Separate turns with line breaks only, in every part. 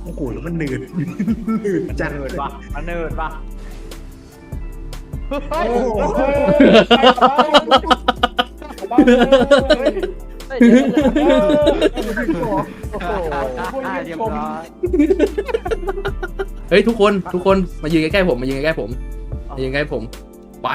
โอ้โหแล้วมันหนืดหนืดจังเลย
มันเนิร์ดปะ
โอ้โห
เรียบร้อย
เฮ้ยทุกคนมายืนใกล้ๆผมมายืนใกล้ๆผมมายืนใกล้ผมไป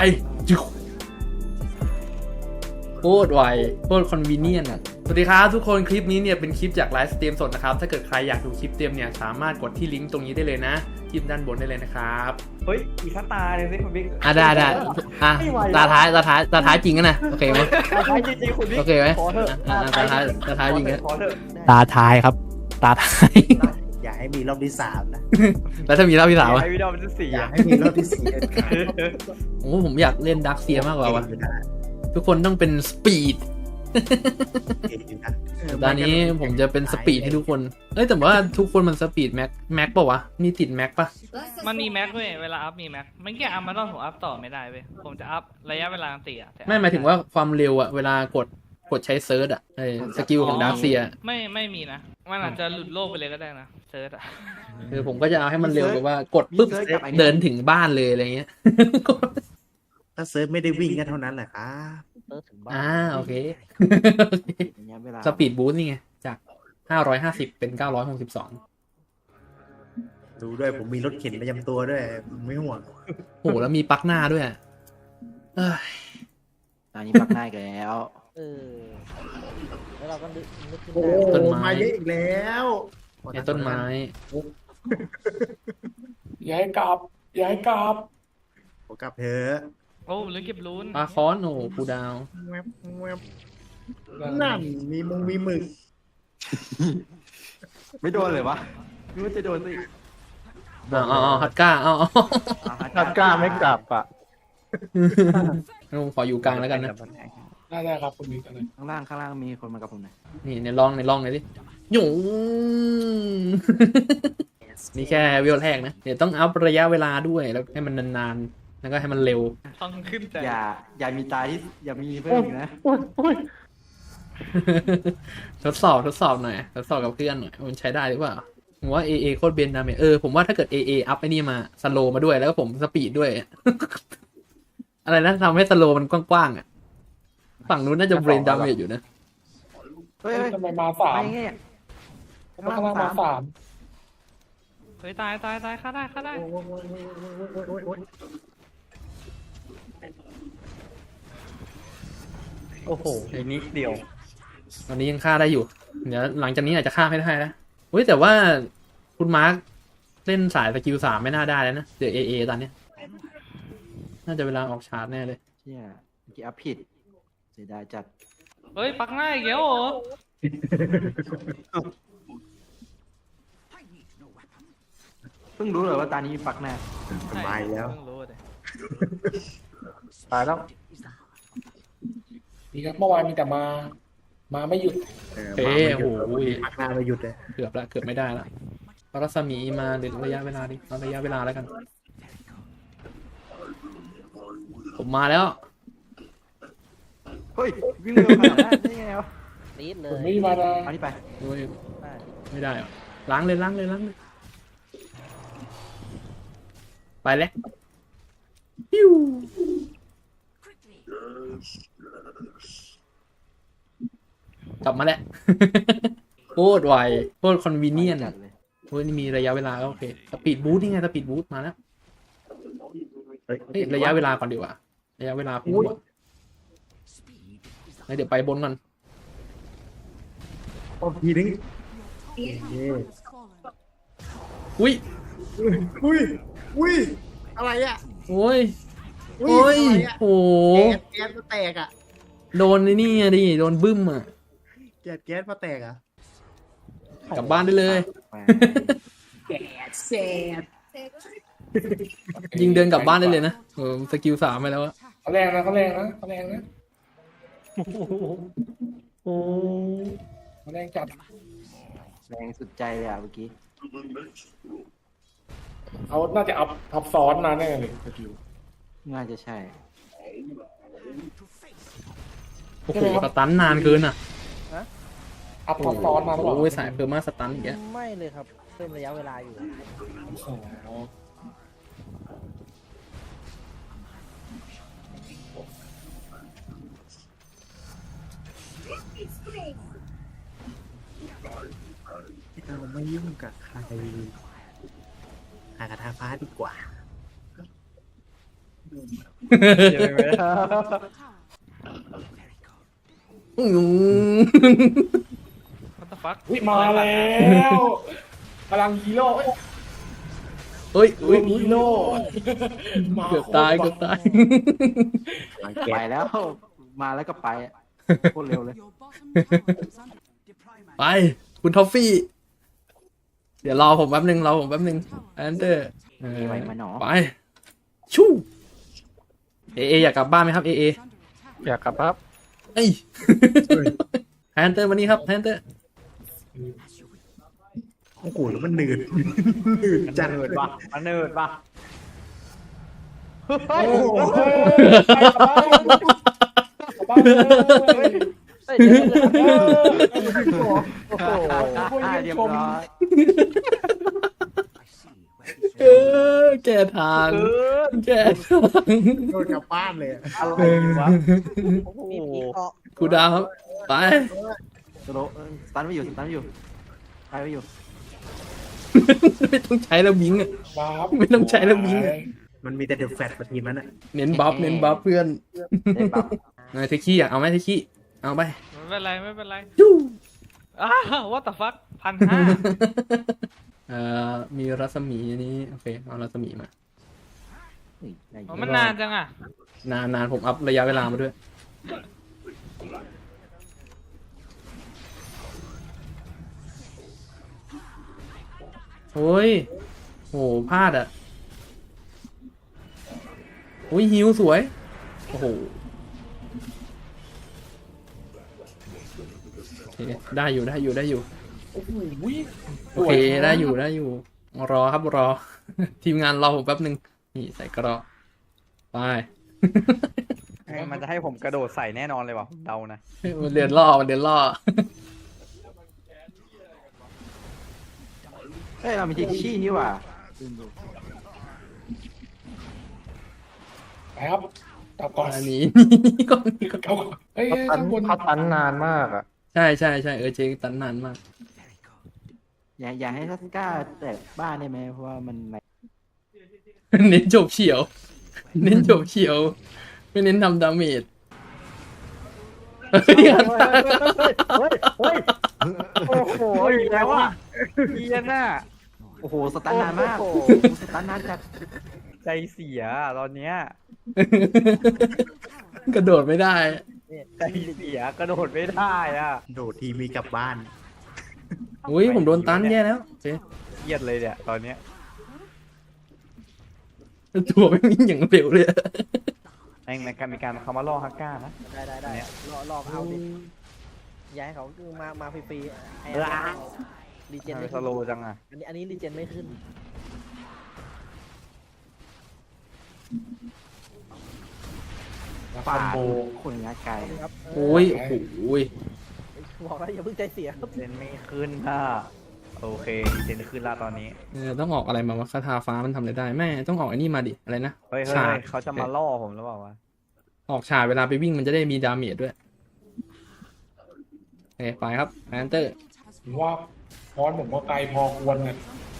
โคตรไวโคตรคอนวีเนียนอ่ะสวัสดีครับทุกคนคลิปนี้เนี่ยเป็นคลิปจากไลฟ์สตรีมสดนะครับถ้าเกิดใครอยากดูคลิปเต็มเนี่ยสามารถกดที่ลิงก์ตรงนี้ได้เลยนะคลิปด้านบนได้เลยนะครับ
เฮ้ยอีกตาเลยสิคุณบิ๊ก
ได้ตาท้ายจริงกันนะโอเคไหม
ตาจริงๆคุณบิ๊ก
โอเคไหม
ขอเถอะ
ตาท้ายจริงกัน
ขอเถอะ
ตาท้ายครับตาท้าย
อย่าให้มีรอบที่3นะ
แล้วถ้ามีรอบที่3
ไอ
อ่ะ
วิดีโอมันจะสี่
อย่าให้มีรอบที่4เด็ดขาด
โอ้ผมอยากเล่นดักเซียมากกว่าวะทุกคนต้องเป็นสปีดตอนนี้ผมจะเป็นสปีดให้ทุกคนแต่ว่าทุกคนมันสปีดแม็กป่าวะนี่ติดแม็กป่ะ
มันมีแม็กเว้ยเวลาอัพมีแม็กไม่แค่อัพมาต้องผมอัพต่อไม่ได้เว้ยผมจะอัพระยะเวลาตีอะแต่อัพ
ไม่หมายถึงว่าความเร็วอะเวลากดใช้เซิร์ชอะสกิลของดักเซีย
ไม่มีนะมันอาจจะหลุดโลกไปเลยก็ได้นะเซิร์ชอะ
คือผมก็จะเอาให้มันเร็วแบบว่ากดปุ๊บเดินถึงบ้านเลยอะไรเงี้ย
ถ้าเซิร์ฟไม่ได้วิ่งกันเท่านั้นแหละครับ
โอเค
อย่างเงี้ยเวลา
สปีดบูสต์นี่ไงจาก550เป็น962
ดูด้วยผมมีรถเข็นประจำตัวด้วยไม่ห่วง
โอ้โหแล้วมีปลั๊กหน้าด้วยเอ้ย
ตอนนี้ปักหน้าอีกแล้ว
แล้วเราก็นึกขึ้น
โอ้
ได้
โหมาเยอะอีกแล้ว
เนี่ยต้นไม้
อย่าให้กลับ
ผมกลับเถอะ
โอ้หรือเก็บรูน
ปลาคอนโอ้โหกูดาว
แวบแวบนั่นมีหมึก
ไม่โดนเลยวะนึกว่าจะโดนสิ
ฮัตก้า
ตัดกล้าไม่กลับอ่ะ
ผมขออยู่กลางแล้วกันนะ
ได้ครับคุณมีกันเลย
ข้างล่างมีคนมากับผมหน่อย
นี่ในร่องเลยดิหยุ่ง นี่แค่วิวแรกนะเดี๋ยวต้องอัพระยะเวลาด้วยแล้วให้มันนานๆแล้วก็ให้มันเร็ว
ต้องขึ้นใจ
อย่ามีตาที่อย่ามีเพิ่มอีกนะ
ทดสอบหน่อยทดสอบกับเพื่อนหน่อยมันใช้ได้หรือเปล่าผมว่า AA โคตรเบนดาเมจผมว่าถ้าเกิด AA อัพไอ้นี่มาสโลมาด้วยแล้วก็ผมสปีดด้วย อะไรนะทำให้สโลมันกว้างๆอ่ะฝั่งนู้นน่าจะเบรนดาเมจอยู่นะ
เฮ้ย
ทำไมมาสาม
ไม่ไง
ทำไมข้างล่างมาสาม
เฮ้ยตายฆ่าได้
โอ้โหนิดเดียว
ตอนนี้ยังฆ่าได้อยู่เดี๋ยวหลังจากนี้อาจจะฆ่าไม่ได้นะเฮ้ยแต่ว่าคุณมาร์คเล่นสายสกิล3ไม่น่าได้แล้วนะเดี๋ยว AA ตอนเนี้ยน่าจะเวลาออกชาร์จแน่เลย
เชี่ยเมื่อกี้อัพผิดเสียดายจัด
เฮ้ยปักหน้าอีกแล้วเหรอ
เพิ่งรู้เลยว่าตานี้มีปักหน้า
สบายแล้ว
เพิ่งรู้เลย
ตายแล้ว
ดีครับเมื่อวานมีแต่มาไม่หยุด
โอ้โห
พักหน้าไม่หยุดเลย
เกือบไม่ได้ละรัศมีมาเดี๋ยวระยะเวลาดิเอาระยะเวลาแล้วกัน ผมมาแล้ว
เฮ้ยวิ่งเร็วขนาดนั้นได้ไงวะ
ตีดเล
ผม
ย
ไม่มานะ
เอานี่ไป
โอ้ยไม่ได้อะล้างเลยไปแล้วปิ้วกลับมาแล้ว โคตรไวโคตรคอนวีเนียนอ่ะโอ้ยนี่มีระยะเวลาก็โอเคสปีดบูสต์นี่ไงสปีดบูสต์มาแล้วเฮ้ยระยะเวลาก่อนดีกว่าระยะเวลาผมว่าเดี๋ยวไปบนก่อน
โอ้ทีนึง
อุ้ย
อุ้ยอะไรอ่ะ
โอ้ย
อุ้
โอ้ย
อะไรอ่ะ
โอ้
แก๊สมาแตกอ่ะ
โดนไอ้นี่อะดิโดนบึ้มอ่ะ
แก๊สมาแตกอ่ะ
กลับบ้านได้เลย
แก๊สแสบ
ยิงเดินกลับบ้านได้เลยนะสกิล3ไปแล้วอะ
เขาแรงนะเขาแรงนะเขาแรงจัด
แรงสุดใจเลยอ่ะเมื่อกี้
เขาน่าจะอัพทับซ้อนมาแน่เลยสกิล
น่าจะใช่
โอ้โหสตันนานเกินอ่ะ
อัพทับซ้อนมาหรือเปล่า
โอ้ยสายเพอร์มาสตันอีกแล้ว
ไม่เลยครับเพิ่มระยะเวลาอยู่
โอ้โห
เราไม่ยุ่งกับใครหากระทาฟ้าดีกว่า
อืม
What the fuck
อุ๊ยมาแล้วพลังฮีโร่เอ้ย
เฮ้ย
ฮีโร่มา
เกือบตายเกือบตาย
หลัง
ไป
แก๊ส
แล้ว มาแล้วก็ไปอะโคตรเร็วเลย
ไป คุณทอฟฟี่ เดี๋ยวรอผมแป๊บนึงแอนเดอร์
มีไว้มาหนอ
ไป ชู่เออยากกลับบ้านไหมครับเอ
อยากกลับครับ
เอ้ยแอนเดอร์มานี่ครับแอนเดอร์
โอ้โหแล้วมันหนืด หนืดจังเลย
มันเนิร์ดปะ
โอ้โหไปกลับบ้านกลับบ้านเลย
เฮ้ยเดี๋ยวเดี๋ยว
โอ้โหเรียบร้อย
แก้ทางแก้ทาง
โดนกลับบ้านเลยอะ
อะไรวะ
มีผีเกาะ
ครูดาวครับไป
สโลสตันไม่อยู่ไปไม่อยู่
ไม่ต้องใช้แล้วบิงอะ
บ้า
ไม่ต้องใช้แล้วบิงอะ
มันมีแต่เดอะแฟตมาทีมนั้นอ่ะ
เน้นบัฟเพื่อน
ได้ปั๊บ
นายเทคีอยากเอาไหมเทคีเอาไป
ไม่เป็นไรไม่เป็นไร
ยู
อ้าว what the fuck 1,500
มีรัศมีอันนี้โอเคเอารัศมีมา
อ๋อมันนานจังอ่ะ
นานผมอัพระยะเวลามาด้วยโอ้ยโหพลาดอ่ะโอ้ยฮิวสวยโอ้โหโอเคได้อยู่
โอ้โห
โอเคได้อยู่รอครับรอ ทีมงานรอผมแป๊บนึงนี่ใส่กระรอกไป
มันจะให้ผมกระโดดใส่แน่นอนเลยว่ะเดานะ
มันเรียนล่อ
เฮ้ยเรามีทิชชี่นี่หว่า
ไปครับกลับก่อน
อันนี้ ก่อน
เขาเฮ้ยข้างบน
เขาตันนานมากอ่ะ
ใช่เจตันนานมาก
อย่าให้ทัสก้าแตกบ้านได้ไหมเพราะว่ามัน
เน้นจบเฉียว ไม่เน้นทำดาเมจเฮ้ย
โอ้โหอีกแล้วอ่ะ
เฮียน่ะ
โอ้โหสตันนานมากสตันนานจัด
ใจเสียตอนเนี้ย
กระโดดไม่ได้
ใจเสียกระโดดไม่ได้อ่ะ
โดดทีมีกลับบ้าน
อุ้ยผมโดนตันแย่แล้วเจ๊
เครียดเลยเนี่ยตอนเนี้ย
ตัวไม่มีอย่างเร็วเลย
แม่งในการมีการเขามาล่อฮักก้านะ
ได้
เนี่ย
รอเอาดิย้ายเขาคือมาฟรีๆไอ้รีเจนไม่
ส
ขึ้น
โลว์จังอ่ะ
อันนี้รีเจนไม่ขึ้น
คอมโบ
คนงานไกล
ครับ
โอ้ยโอ้ย
บอกแล้วอย่าเพิ่งใจเสียครับ
เจนไม่ขึ้นอ่ะโอเคเจนขึ้นละตอนนี้
ต้องออกอะไรมาวะคาถาฟ้ามันทำอะไรได้แม่ต้องออกไอ้นี่มาดิอะไรนะ
เฮ้ย
ฉาก
เขาจะมาล่อผมหรือเปล่าวะ
ออกฉากเวลาไปวิ่งมันจะได้มีดาเมจด้วยโอเคไปครับแอนเตอร์
ผมว่าพอนผมก็ไกลพอควรนะ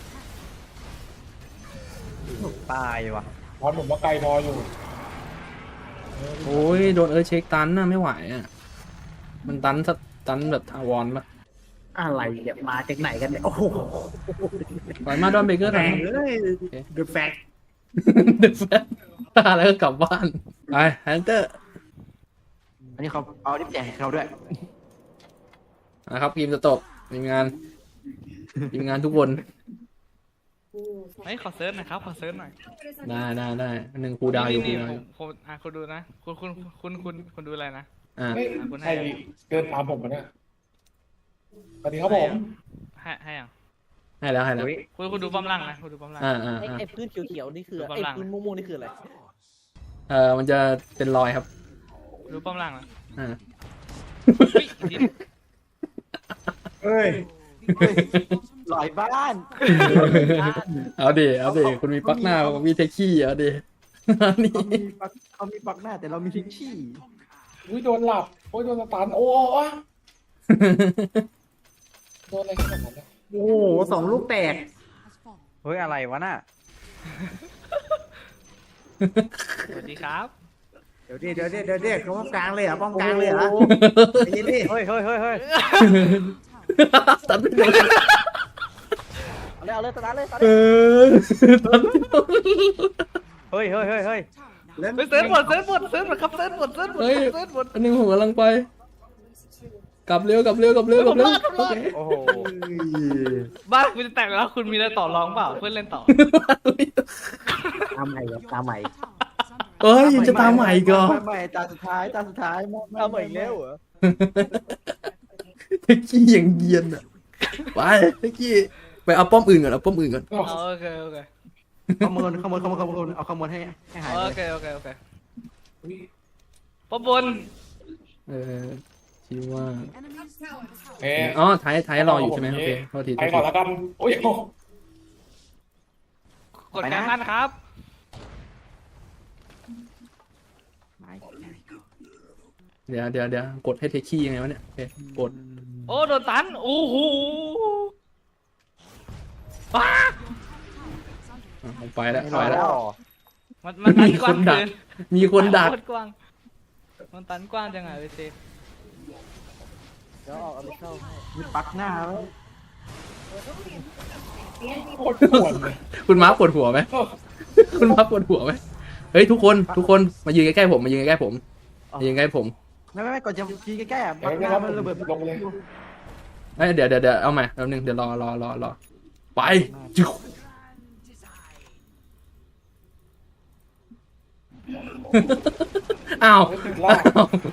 ตายว่ะ
พอนผมก็ไกลพออยู่
โอ้ยโดนเช็คตันน่ะไม่ไหวอ่ะมันตันแบบทาวรปะ
อะไรเนี่ยมาจากไหนกันเนี่ยโอ้โห
ปล่อยมาดอนเบเกอร์
แร
ทำ
งเลยเดอะแฟต
เดือดแฟนตาแล้วก็กลับบ้านไปแฮนเตอร์
อันนี้เขาเอาดิบแจกให้เขาด้วย
นะครับทีมจะตกทีมงานทุกคน
เฮ้ยขอเซิร์ชหน่อยครับขอเซิร์ชหน่อย
ได้หนึ่งครูดาวอยู่
นี่ผมคุณดูนะคุณดูอะไรนะ
อ่า
เฮ้ย
คุณให้
ใครเดินตามผมมาเนี่ยสวัสดีครับผม
ให้อ่ะ
ให้แล้ว
อุ๊ย
คุณดูป้อมล่างนะคุณดูป้อมล่าง
ไอ้พื้นเขียวๆนี่คือ
ดู
ไอ้
ฝรั่ง
พื้นม่วงๆนี่คืออะไร
มันจะเป็นรอยครับ
ดูป้อมล่างนะ
อ่า
เฮ้ย
เอ้ย
ลอยบ้าน
เอาดิเอาดิคุณมีปลั๊กหน้าผมมีเทคขี้เอาดินี่
เขามีปักหน้าแต่เรามีทิชชี่
อุ้ยโดนหลับโอ้ยโดนสตันโอ้ยโดนอะไรขนาดนั้นเนี่ย
โอ้โหสองลูกแตก
เฮ้ยอะไรวะน่ะ
สวัสดีครับ
เดี๋ยวเขาป้อมกลางเลยเหรอป้อมกลางเลยเหรอใจเย็นดิ
เฮ้ยเฮ้ยเฮ้ยเฮ้ย
ตัดไม่โดน
เอาเลยสตาร์ทเลยสตาร์ท
เอ
เลย
อตัดไม่โดน
เฮ้ยเฮ้ยเฮ้ยเฮ้ย
แล้ว
เฮ้ยเซิร์ฟหมดครับเซิร์ฟหมด
เฮ้ย
เซิร์ฟหมด
อันนึงผมกำลังไป กลับเร็วโอเค
โอ้โห
บ้านคุณจะแตกแล้วคุณมีอะไรต่อรองเปล่าเพื่อนเล่นต่อ
ตามใหม่ครับตามใหม่
เอ้ยยังจะตามใหม่อีก่อน
ไม่ตาสุดท้ายไม่
เอาใหม่อีกแล้วเหรอ
เทคกี้อย่างเยียนอ่ะไปเทคกี้ไปเอาป้อมอื่นก่อนเอาป้อมอื่นก่อน
โอเค
ขโมยเอาขโมยให้หาย
โอเคปอบน
คิดว่า
เอ๊ะ
อ๋อไทยรออยู่ใช่ไหมโอเคโทษที
ไปก่อนแล้วกันโอ้ยโอ้
กดการบ้านครับ
เดี๋ยวกดให้เทคกี้ยังไงวะเนี่ยโอเคกด
โอ้โดนตันโอ้โห
ไปแล้ว
มันตันกว้างเกิน
มีคนดัก
โตรกว้างมันตันกว้างจังไงเวที
เดี๋ยวออกเอาไปเข้าให้
มีปักหน้าไว้
โคตรปวดเลย
คุณม้าปวดหัวไหมคุณม้าปวดหัวไหมเฮ้ยทุกคนมายืนใกล้ๆผมมายืนใกล้ๆผมมายืนใกล้ผม
ไม่ก่อนจะยิงใกล้ๆปักหน้ามันระเบิด
ลงเลย
เดี๋ยวเอาใหม่แป๊บนึงเดี๋ยวรอไปจุ๊บอ้าว
ลาก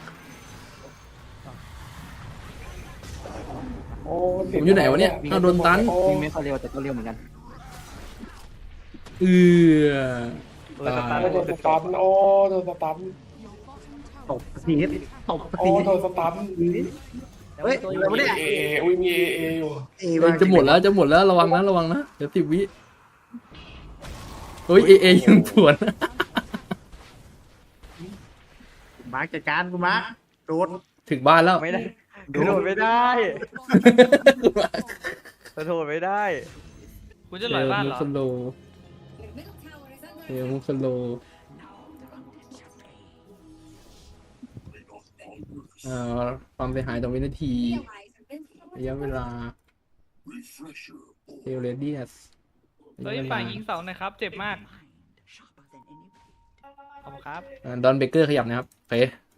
โอ้
ผมอยู่ไหนวะเนี่ยอ้าวโดนตัน
วิ่งไม่ค่อยเร็วแต่ก็เร็วเหมือนกัน
เออ
เออสตาร์
โอ้โดนสตันโอ้โดนสตัน
ตบสีตบ
โอ้
สี
โดนสตัน
เฮ้ยอะไรวะเนี่ย
เออุ้ยมีเออยู่
จะหมดแล้วระวังนะเดี๋ยว10 วิเฮ้ยเอยังปวด
มาร์คจัดการกูมาร์คโดน
ถึงบ้านแล้ว
ไม่ได้กระโดดไม่ได้กระโดดไม่ได้
คุณจะหลอยบ้านเหรอ
สโลมุสโลความเสียหายต่อวินาทีระยะเวลาเทเลเดียส
เฮ้ยฝ่ายยิงเสาหน่อยครับเจ็บมากขอบคุณครับ
ดอนเบเกอร์ขยับนะครับไป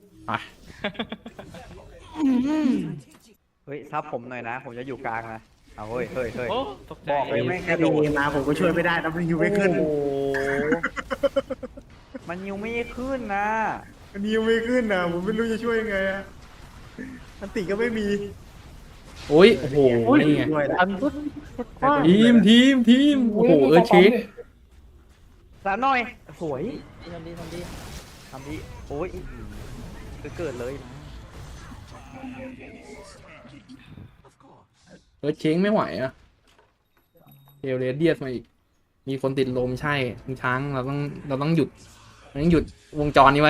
เฮ้ยซับผมหน่อยนะ ผมจะอยู่กลางนะเอาเฮ้ยเฮ้ยเฮ้ย
โอ้ตกใจ
บอกเลยไม่
แค่ดีมาผมก็ช่วยไม่ได้นะมันยิวไม่ขึ้น
โอ้โหมันยิวไม่ขึ้นนะ
มันยิวไม่ขึ้นนะผมไม่รู้จะช่วยยังไงอะอันติก็ไม่มี
โอ้ยโอ้โหนี่ไง
ช่วยแล้ว
ทีมโอ้โหเช็ค
สามหน่อยสวย
ทำดี
ทำดีโอ้ยเกิดเลยนะ
เช็คไม่ไหวอะเทเลเดียสมาอีกมีคนติดลมใช่คุณช้างเราต้องหยุดวงจรนี้ไว้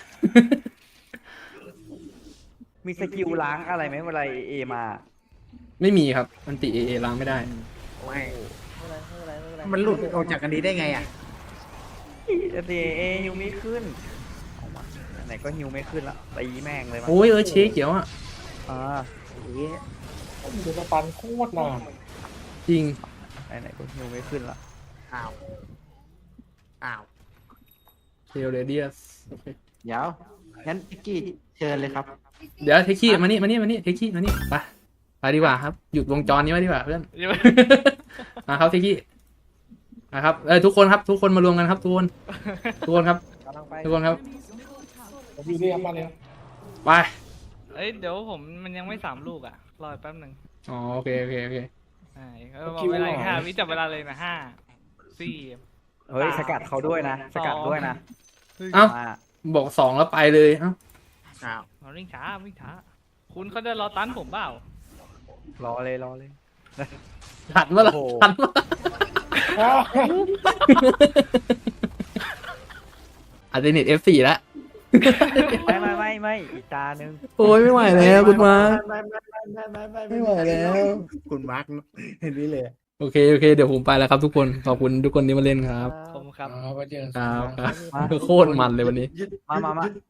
มีสกิลล้างอะไรไหมเวลาเอมา
ไม่มีครับอันติเอล้างไม่ได้
ไม่
ไม่เป็นไร
มันหลุดออกจากกันนี้ได้ไงอ่ะ
เอฮิวไม่ขึ้นเอามาไหนก็ฮิวไม่ขึ้นละตีแม่งเลยมัน
โอ้ยเช็คเขียวอ่ะ
อ่า
โดนสตันโคตรนาน
จริง
ไหนก็ฮิวไม่ขึ้นละ
อ้าว
เทเลเดียส
เดี๋ยวงั้นพิกกี้เชิญเลยครับ
เดี๋ยวเทคกี้มานี่เทคกี้มานี่ไปดีกว่าครับหยุดวงจรนี้ไว้ดีกว่าเพื่อน มาครับเทคกี้นะครับทุกคนครับทุกคนมารวมกันครับทุกคนครับ
กำลังไป
ทุกคนครับ
ผมอยู่นี่ครับมาเลยครับ
ไป
เอ้ยเดี๋ยวผมมันยังไม่3 ลูกอ่ะรอแป๊บหนึ่ง
อ๋อโอเค
ใช่บอกเวลาอีก5 วิจับเวลาเลยนะ5 4
เฮ้ยสกัดเขาด้วยนะสกัดด้วยนะ
เอ้า
มา
บอก2แล้วไปเลยเอ้า
อ้าว
เราวิ่งช้าคุณเขาจะรอตันผมเปล่าร
อเลย
ทันมาละ
โอ้โห
ทันมา อาจจะเน็ต F4 แล้ว
ไม่อีกตาหนึง
โอ้ยไม่ไหวแล้วคุณมาร์ค
ไม่
ไม่ไหวแล้ว
คุณมาร์คเห็นนี้เลย
โอเคเดี๋ยวผมไปแล้วครับทุกคนขอบคุณทุกคนที่มาเล่นครับ
ผมครับ
เอาไปเจอกัน
ครับโคตรมันเลยวันนี้
มา